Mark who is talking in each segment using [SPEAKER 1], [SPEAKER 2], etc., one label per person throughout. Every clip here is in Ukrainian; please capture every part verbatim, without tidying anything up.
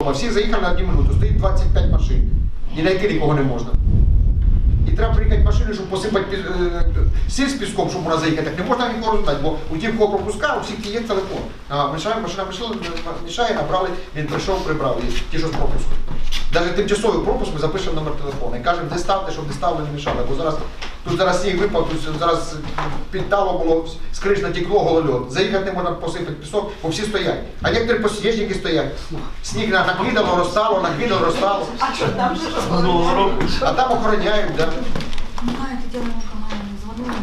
[SPEAKER 1] Всі заїхали на одну минуту, стоїть двадцять п'ять машин, і знайти нікого не можна. І треба приїхати машини, щоб посипати сіль з піском, щоб вона заїхати. Так не можна нікого роздати, бо у тих, кого пропускав, у всіх є телефон. А мішає, машина мішає, набрали, він прийшов, прибрав її, ті, що з пропуску. Навіть тимчасовий пропуск ми запишемо номер телефону і кажемо, де ставте, щоб не ставили, не мішали. Бо зараз, тут зараз сніг випав, тут зараз підтало було, з криш натекло голольот. Заїхати не можна посипати пісок, бо всі стоять. А некоторі посіжники стоять. Сніг накидало, розтало, накидало, розтало.
[SPEAKER 2] А що там же?
[SPEAKER 1] А там охороняють, так.
[SPEAKER 3] Немає, ти ділимо команду, дзвонили,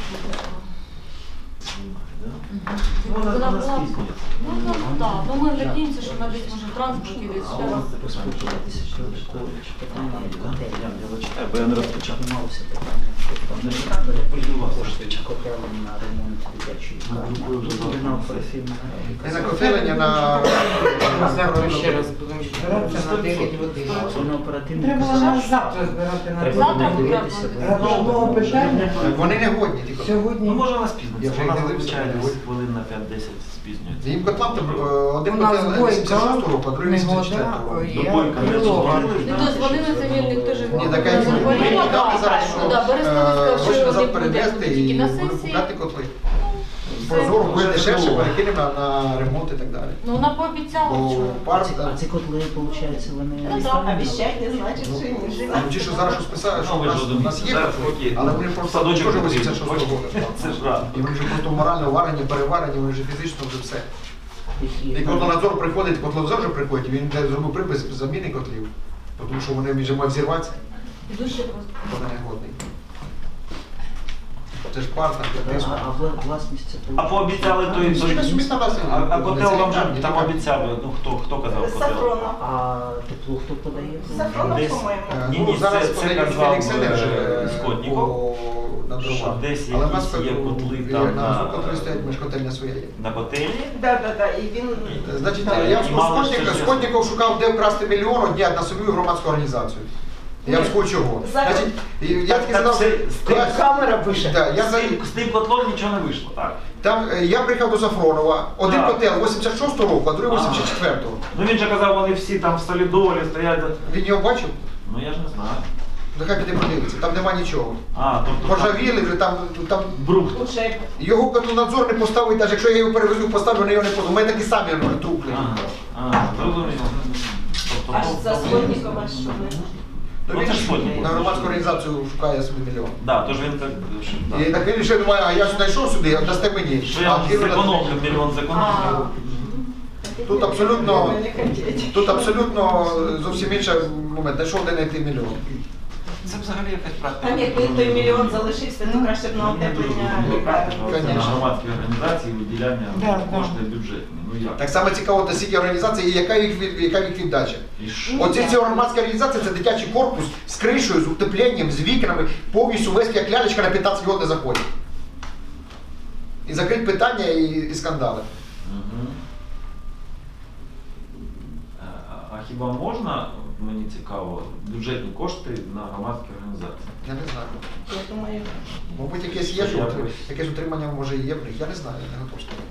[SPEAKER 2] Вона
[SPEAKER 3] Вона
[SPEAKER 2] нас
[SPEAKER 3] була.
[SPEAKER 2] пізнюється.
[SPEAKER 3] Ну, ну, так, ну ми надіємося, що вона десь може в транспорті десь.
[SPEAKER 2] А у вас це поспілкуватися, що питання є, так? Я не зачитаю, бо я не розпочав.
[SPEAKER 4] Займалося питанням, що там
[SPEAKER 2] Не так, бо я полював.
[SPEAKER 4] кошти котелень на ремонт дитячої
[SPEAKER 2] Групою
[SPEAKER 4] на оперативну.
[SPEAKER 1] Не на котелення, на...
[SPEAKER 5] Завтра ще раз будемо збиратися на дев'ять годин.
[SPEAKER 4] Це на оперативну.
[SPEAKER 5] Треба було нас завтра збирати на
[SPEAKER 4] Треба
[SPEAKER 3] Завтра
[SPEAKER 4] буде дивитися.
[SPEAKER 3] треба.
[SPEAKER 4] бо-
[SPEAKER 5] Одного питання
[SPEAKER 1] Вони не годні, ті котли.
[SPEAKER 5] сьогодні.
[SPEAKER 2] Ну, може вона
[SPEAKER 1] Я
[SPEAKER 2] спізниться,
[SPEAKER 1] вже
[SPEAKER 2] вона
[SPEAKER 1] не
[SPEAKER 2] зазвичай
[SPEAKER 1] дивився.
[SPEAKER 2] десь хвилин на п'ять-десять спізнюється.
[SPEAKER 1] Їм котлам там е, один
[SPEAKER 5] У нас
[SPEAKER 1] котел вісімдесят шостого
[SPEAKER 5] бойка,
[SPEAKER 1] року, а другий вісімдесят
[SPEAKER 5] негода,
[SPEAKER 1] четвертого.
[SPEAKER 5] ой,
[SPEAKER 2] До
[SPEAKER 5] я
[SPEAKER 2] бойка не
[SPEAKER 5] крилова.
[SPEAKER 2] дзвонили,
[SPEAKER 3] Ніхто дзвонили, це він, ніхто ж
[SPEAKER 1] Ні, така і
[SPEAKER 3] не
[SPEAKER 1] вони
[SPEAKER 3] дзвонила.
[SPEAKER 1] казали зараз,
[SPEAKER 3] Ну
[SPEAKER 1] що
[SPEAKER 3] так, Берестовська,
[SPEAKER 1] е, хоче
[SPEAKER 3] що
[SPEAKER 1] назад
[SPEAKER 3] вони
[SPEAKER 1] перенести
[SPEAKER 3] будуть
[SPEAKER 1] і
[SPEAKER 3] тільки на
[SPEAKER 1] будуть
[SPEAKER 3] сесії.
[SPEAKER 1] купляти котли.
[SPEAKER 3] Це-
[SPEAKER 1] Прозоро буде
[SPEAKER 2] Вже
[SPEAKER 1] дешевше,
[SPEAKER 2] було.
[SPEAKER 1] перекинемо на, на ремонт і так далі.
[SPEAKER 3] Ну вона пообіцяла
[SPEAKER 1] Бо
[SPEAKER 3] вчора.
[SPEAKER 4] А
[SPEAKER 1] пар,
[SPEAKER 4] ці- А ці котли, виходить, вони
[SPEAKER 3] Ну, так,
[SPEAKER 4] існують?
[SPEAKER 2] Обіщать не значить, що ні.
[SPEAKER 1] ну, ті, що зараз щось писали, що
[SPEAKER 2] Ну,
[SPEAKER 1] у
[SPEAKER 2] ви
[SPEAKER 1] нас,
[SPEAKER 2] ж
[SPEAKER 1] у нас є
[SPEAKER 2] зараз
[SPEAKER 1] котли,
[SPEAKER 2] окей.
[SPEAKER 1] але вони просто
[SPEAKER 2] Садочок
[SPEAKER 1] теж
[SPEAKER 2] потрібен.
[SPEAKER 1] вісімдесят шостого року.
[SPEAKER 2] Це ж рано.
[SPEAKER 1] І вони вже просто морально варені, переварені, вони вже фізично вже все.
[SPEAKER 4] Які-
[SPEAKER 1] І котлонадзор приходить, котлонадзор вже приходить, він де зробив припис заміни котлів, тому що вони вже мають взірватися,
[SPEAKER 3] Дуже просто.
[SPEAKER 1] бо вони не годний. Це ж пар, там,
[SPEAKER 4] А,
[SPEAKER 1] тиск.
[SPEAKER 4] а вла- власність це
[SPEAKER 2] А пообіцяли той...
[SPEAKER 1] Всі на собі ставляться.
[SPEAKER 2] А, а котел вам же
[SPEAKER 1] Ні,
[SPEAKER 2] там
[SPEAKER 1] ні.
[SPEAKER 2] обіцяли, ну хто, хто казав котел?
[SPEAKER 6] Сафронов.
[SPEAKER 4] А тепло хто подає?
[SPEAKER 6] Сафронов,
[SPEAKER 2] Десь-
[SPEAKER 6] по-моєму.
[SPEAKER 1] Е,
[SPEAKER 2] Ні,
[SPEAKER 1] ну,
[SPEAKER 2] ні,
[SPEAKER 1] зараз
[SPEAKER 2] це- це
[SPEAKER 1] подає
[SPEAKER 2] казав,
[SPEAKER 1] Фелікс Енерджі,
[SPEAKER 2] е,
[SPEAKER 1] е,
[SPEAKER 2] Скотніков,
[SPEAKER 1] по- на
[SPEAKER 2] що
[SPEAKER 1] дрова.
[SPEAKER 2] десь
[SPEAKER 1] Але в нас
[SPEAKER 2] якісь є
[SPEAKER 1] котл-
[SPEAKER 2] котли
[SPEAKER 1] е,
[SPEAKER 2] там
[SPEAKER 1] на
[SPEAKER 2] на-
[SPEAKER 1] котли стоять, ми ж котельня своя є.
[SPEAKER 2] На котелі?
[SPEAKER 6] Да, да, да. І він
[SPEAKER 1] Е, Значить,
[SPEAKER 2] Так,
[SPEAKER 1] я
[SPEAKER 2] і мало ж
[SPEAKER 1] Скотніков,
[SPEAKER 2] це ж-
[SPEAKER 1] Скотніков шукав, де вкрасти мільйон, одні на собі громадську організацію. Я
[SPEAKER 6] Ні.
[SPEAKER 1] вам чого.
[SPEAKER 6] Зараз-
[SPEAKER 1] Значить, і я таки
[SPEAKER 2] Так,
[SPEAKER 1] задав,
[SPEAKER 2] це- з тим-
[SPEAKER 1] я-
[SPEAKER 5] Камера пише.
[SPEAKER 1] Да, я
[SPEAKER 2] З
[SPEAKER 1] за-
[SPEAKER 2] тим, з тим котлом нічого не вийшло, так?
[SPEAKER 1] Там е, я приїхав до Сафронова, один
[SPEAKER 2] Так.
[SPEAKER 1] котел вісімдесят шостого року, а другий
[SPEAKER 2] Ага.
[SPEAKER 1] вісімдесят четвертого.
[SPEAKER 2] Ну він же казав, вони всі там в солідолі стоять.
[SPEAKER 1] Він його бачив?
[SPEAKER 2] Ну я ж не знаю.
[SPEAKER 1] Нехай піде подивиться, там нема нічого.
[SPEAKER 2] А, тобто... там
[SPEAKER 1] Поржавіли вже там, там
[SPEAKER 2] Брухт.
[SPEAKER 6] уже
[SPEAKER 1] його котлонадзор не поставить, навіть якщо я його перевезу, поставлю, вони його не поставлю. У мене такі самі вони трупли.
[SPEAKER 2] Ага, ага, зрозуміло. Тобто,
[SPEAKER 6] аж
[SPEAKER 2] ну,
[SPEAKER 6] за
[SPEAKER 2] ну,
[SPEAKER 6] Скотнікова що ви.
[SPEAKER 1] Ну,
[SPEAKER 2] Ну,
[SPEAKER 1] він
[SPEAKER 2] це
[SPEAKER 1] ж
[SPEAKER 2] ж Скотніков.
[SPEAKER 1] на громадську організацію шукає собі мільйон.
[SPEAKER 2] Да, тож він так... що- да.
[SPEAKER 1] І так він ще думає, а я ж знайшов сюди, дасте мені.
[SPEAKER 2] Що
[SPEAKER 1] А
[SPEAKER 2] я
[SPEAKER 1] Кирило-
[SPEAKER 2] зекономлю, мільйон зекономлю.
[SPEAKER 1] Тут абсолютно,
[SPEAKER 6] Не хотіть.
[SPEAKER 1] тут абсолютно зовсім інший момент. Знайшов де знайти мільйон.
[SPEAKER 2] Це взагалі якась практика.
[SPEAKER 6] Там якби той мільйон залишився, то краще б на утеплення лікарні.
[SPEAKER 2] Це на
[SPEAKER 1] Конечно.
[SPEAKER 2] громадські організації виділяння
[SPEAKER 5] Да, да.
[SPEAKER 2] коштів бюджетні. Ну як?
[SPEAKER 1] Так само цікаво, до скільки організацій і яка їх, від- яка їх віддача.
[SPEAKER 2] І що?
[SPEAKER 1] Оці ці громадські організації це дитячий корпус з кришею, з утепленням, з вікнами, повністю весь як лялечка на п'ятнадцять років не заходить. І закрить питання і, і скандали.
[SPEAKER 2] Мгм. А- А хіба можна, мені цікаво, бюджетні кошти на громадські організації?
[SPEAKER 1] Я не знаю.
[SPEAKER 6] Я думаю,
[SPEAKER 1] Мабуть, якесь є, що утри- якесь утримання може і є в них. Я не знаю, я не готов сказати.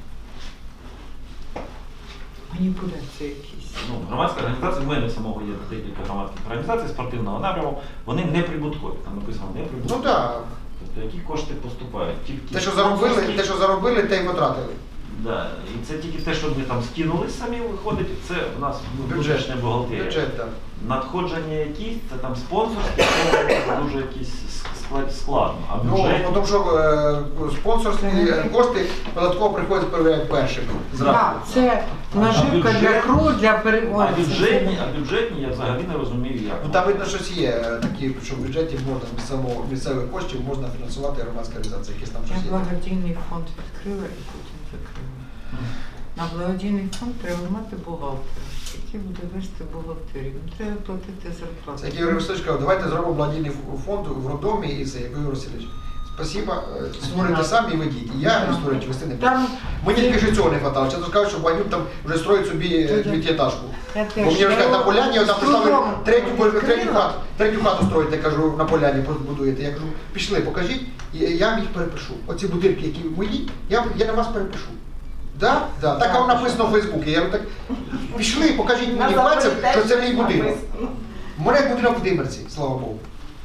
[SPEAKER 5] Маніпуляції якісь.
[SPEAKER 2] Ну, громадська організація, в мене самого є декілька громадських організацій спортивного напряму, вони не прибуткові. Там написано не
[SPEAKER 1] Ну
[SPEAKER 2] прибуткові.
[SPEAKER 1] так,
[SPEAKER 2] Тобто які кошти поступають? Тільки
[SPEAKER 1] те, що заробили, те, що заробили, те й потратили.
[SPEAKER 2] Да. І це тільки те, що ми там скинули самі, виходить, це в нас ну,
[SPEAKER 1] Бюджет.
[SPEAKER 2] бюджетна бухгалтерія.
[SPEAKER 1] Бюджет, так.
[SPEAKER 2] Надходження якісь, це там спонсорські, це дуже якісь склад- складно. А
[SPEAKER 1] Ну,
[SPEAKER 2] бюджет...
[SPEAKER 1] тому що е, спонсорські е, кошти податково приходять перевіряти першими. зразу.
[SPEAKER 5] Так, це наживка
[SPEAKER 2] бюджет-
[SPEAKER 5] для кру, для
[SPEAKER 2] А
[SPEAKER 5] переводу.
[SPEAKER 2] бюджетні, а бюджетні я взагалі не розумію, як.
[SPEAKER 1] Ну там видно, щось є е, такі, що в бюджеті можна місцевого місцевих коштів можна фінансувати громадські організації, якісь там
[SPEAKER 5] Я
[SPEAKER 1] щось є.
[SPEAKER 5] благодійний фонд відкрила і потім закрила. На благодійний фонд треба мати бухгалтера, який буде вести бухгалтерію. Їм треба платити зарплату.
[SPEAKER 1] Це як Ігор Васильович сказав, давайте зробимо благодійний фонд в роддомі і це, як Ігор Васильович. Спасибо, е, створюйте самі і ведіть. І я не створюючи вести не буду.
[SPEAKER 5] Там
[SPEAKER 1] Мені тільки що цього не вистачало. Чесно кажучи, що Багнюк там вже строїть собі е, дев'ятиэтажку.
[SPEAKER 5] я
[SPEAKER 1] Бо
[SPEAKER 5] теж.
[SPEAKER 1] мені
[SPEAKER 5] я
[SPEAKER 1] розказали, на
[SPEAKER 5] його
[SPEAKER 1] поляні, там
[SPEAKER 5] з
[SPEAKER 1] поставили
[SPEAKER 5] трудом
[SPEAKER 1] третю, третю,
[SPEAKER 5] відкрила.
[SPEAKER 1] хату, третю хату строїте, кажу, на поляні будуєте. Я кажу, пішли, покажіть, і я вам їх перепишу. Оці будинки, які мої, я, я на вас перепишу. Да? Да. Так воно написано в Фейсбуці. Я говорю, так пішли, покажіть мені пальцем, що це мій будинок. У мене будинок в Димерці, слава Богу.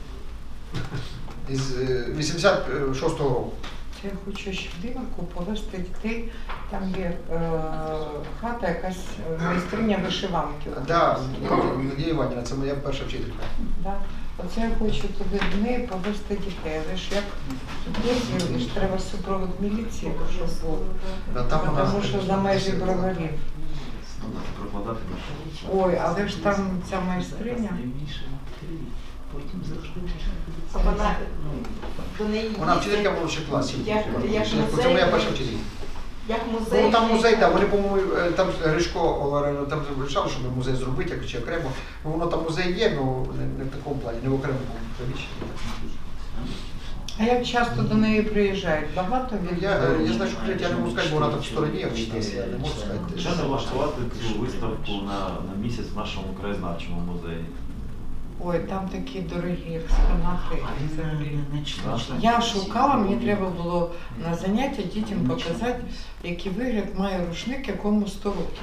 [SPEAKER 1] Із е, вісімдесят шостого року.
[SPEAKER 5] Це я хочу ще в Димарку повезти дітей. Там є е, хата, якась е, майстриня вишиванки.
[SPEAKER 1] Да, Надія Іванівна, це моя перша вчителька.
[SPEAKER 5] Да. Оце я хочу туди до неї повезти дітей. Але ж як є, ж треба супровод міліції, щоб був.
[SPEAKER 1] Да, там у нас
[SPEAKER 5] Тому що за межі броварів.
[SPEAKER 2] Треба прокладати нашу.
[SPEAKER 5] Ой, але ж там ця майстриня.
[SPEAKER 6] Вона до неї
[SPEAKER 1] Вона
[SPEAKER 6] їздять,
[SPEAKER 1] вчителька молодших класів.
[SPEAKER 6] Як- як
[SPEAKER 1] Це
[SPEAKER 6] музей.
[SPEAKER 1] моя перша вчителька.
[SPEAKER 6] як музей.
[SPEAKER 1] Ну там музей, так, вони, по-моєму, е, там Гришко Оларено там вирішали, щоб музей зробити, як чи окремо. Ну воно там музей є, але не, не в такому плані, не в окремому приміщенні.
[SPEAKER 5] А як часто до неї приїжджають? Багато
[SPEAKER 1] Ну,
[SPEAKER 5] від
[SPEAKER 1] Я, е, я знаю, що я не можу сказати, бо вона там в стороні, я десь, я не можу сказати.
[SPEAKER 2] Що не влаштувати цю виставку на, на місяць в нашому краєзнавчому музеї?
[SPEAKER 5] Ой, там такі дорогі експонати. взагалі. Я шукала, мені треба було на заняття дітям показати, який вигляд має рушник, якому сто років,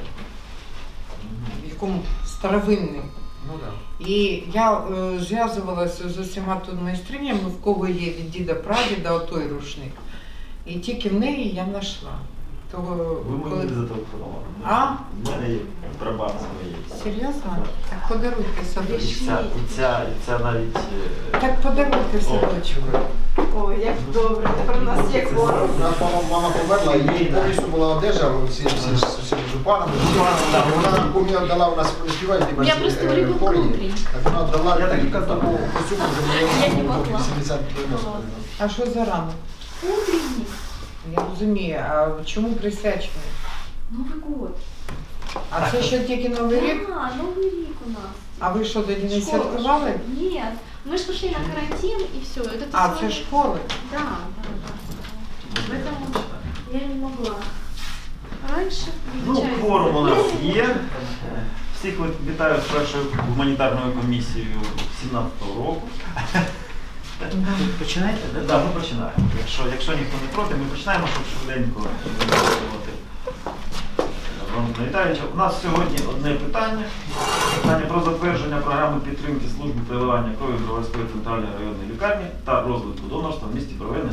[SPEAKER 5] якому старовинний.
[SPEAKER 1] Ну так.
[SPEAKER 5] І я е, зв'язувалася з усіма тут майстринями, в кого є від діда прадіда отой рушник. І тільки в неї я знайшла. Того,
[SPEAKER 2] Ви
[SPEAKER 5] коли...
[SPEAKER 2] мені зателефонували.
[SPEAKER 5] А?
[SPEAKER 2] У мене є прабабця моєї.
[SPEAKER 5] Серйозно? Так подаруйте
[SPEAKER 2] І
[SPEAKER 5] садочку.
[SPEAKER 2] ця, і ця, і ця навіть... е,
[SPEAKER 5] Так подаруйте садочку.
[SPEAKER 6] Ой, як добре, тепер у нас є кворум.
[SPEAKER 1] У нас мама, мама померла, і їй повністю була одежа, всі, всі, всі, всі жупанами. Вона помі віддала, у нас співає
[SPEAKER 3] Я просто ребенка внутрі.
[SPEAKER 1] Так вона віддала
[SPEAKER 2] Я так і
[SPEAKER 1] таку
[SPEAKER 2] казав.
[SPEAKER 1] костюму, вже
[SPEAKER 3] Я не
[SPEAKER 1] було
[SPEAKER 3] могла.
[SPEAKER 1] вісімдесят дев'яносто.
[SPEAKER 5] А що за ранок?
[SPEAKER 3] Утренник.
[SPEAKER 5] Я розумію, а чому присвячений?
[SPEAKER 3] Новый год.
[SPEAKER 5] А це ще тільки Новий рік?
[SPEAKER 3] Да, Новый рік у нас.
[SPEAKER 5] А ви що, тоді не
[SPEAKER 3] Школа.
[SPEAKER 5] святкували?
[SPEAKER 3] Нет, мы же пошли на карантин и все. Это
[SPEAKER 5] А,
[SPEAKER 3] всё-
[SPEAKER 5] це школи.
[SPEAKER 3] Да, да, да. Поэтому я не могла. Раньше
[SPEAKER 2] Ну,
[SPEAKER 3] включается.
[SPEAKER 2] кворум у нас є. Всіх ви- вітаю з першою гуманітарною комісією сімнадцятого року.
[SPEAKER 4] Починаєте,
[SPEAKER 2] Так,
[SPEAKER 4] да?
[SPEAKER 2] да, ми починаємо. Якщо, якщо ніхто не проти, ми починаємо, щоб швиденько виконувати Валентина Віталійовича. У нас сьогодні одне питання. Питання про затвердження програми підтримки служби переливання крові Броварської центральної районної лікарні та розвитку донорства в місті Броварне